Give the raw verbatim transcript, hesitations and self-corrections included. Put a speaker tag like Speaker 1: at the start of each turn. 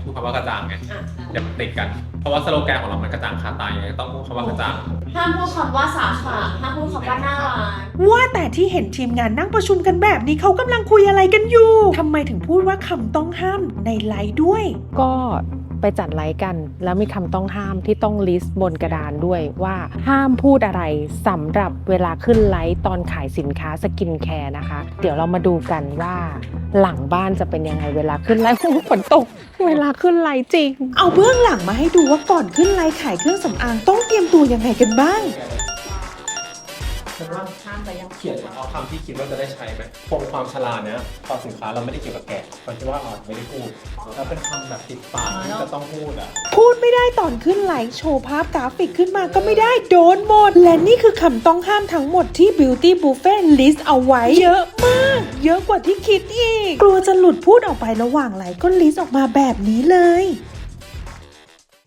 Speaker 1: พูดคำว่ากระจ่างไงเดี๋ยวติดกันเพราะว่าสโลแกนของเรามันกระจ่างคาตาไงต้องพูดคำว่ากระจ่าง
Speaker 2: ห้ามพูดคำว่าสาขาห้ามพูดคำว่าน่ารัก
Speaker 3: ว่าแต่ที่เห็นทีมงานนั่งประชุมกันแบบนี้เขากำลังคุยอะไรกันอยู่ทำไมถึงพูดว่าคำต้องห้ามในไลฟ์ด้วย
Speaker 4: ก็ไปจัดไลฟ์กันแล้วมีคำต้องห้ามที่ต้องลิสต์บนกระดานด้วยว่าห้ามพูดอะไรสำหรับเวลาขึ้นไลฟ์ตอนขายสินค้าสกินแคร์นะคะเดี๋ยวเรามาดูกันว่าหลังบ้านจะเป็นยังไงเวลาขึ้นไลฟ์ ฝนตกเวลาขึ้นไลฟ์จริง
Speaker 3: เอาเบื้องหลังมาให้ดูว่าก่อนขึ้นไลฟ์ขายเครื่องสำอางต้องเตรียมตัวยังไงกันบ้าง
Speaker 1: ฉันว่าเขียนเอาคำที่คิดว่าจะได้ใช้ไหมคงความฉลาดเนี้ยพอสินค้าเราไม่ได้เกี่ยวกับแกะเราคิดว่าอาจไม่ได้พูดแล้วเป็นคำแบบติดปากที่จะต้องพูดอ่ะ
Speaker 3: พูดไม่ได้ตอนขึ้นไลฟ์โชว์ภาพกราฟิกขึ้นมาก็ไม่ได้โดนหมดและนี่คือคำต้องห้ามทั้งหมดที่ Beauty Buffet list เอาไว้เยอะมากเยอะกว่าที่คิดอีกกลัวจะหลุดพูดออกไประหว่างไลฟ์ก็ลิสต์ออกมาแบบนี้เลย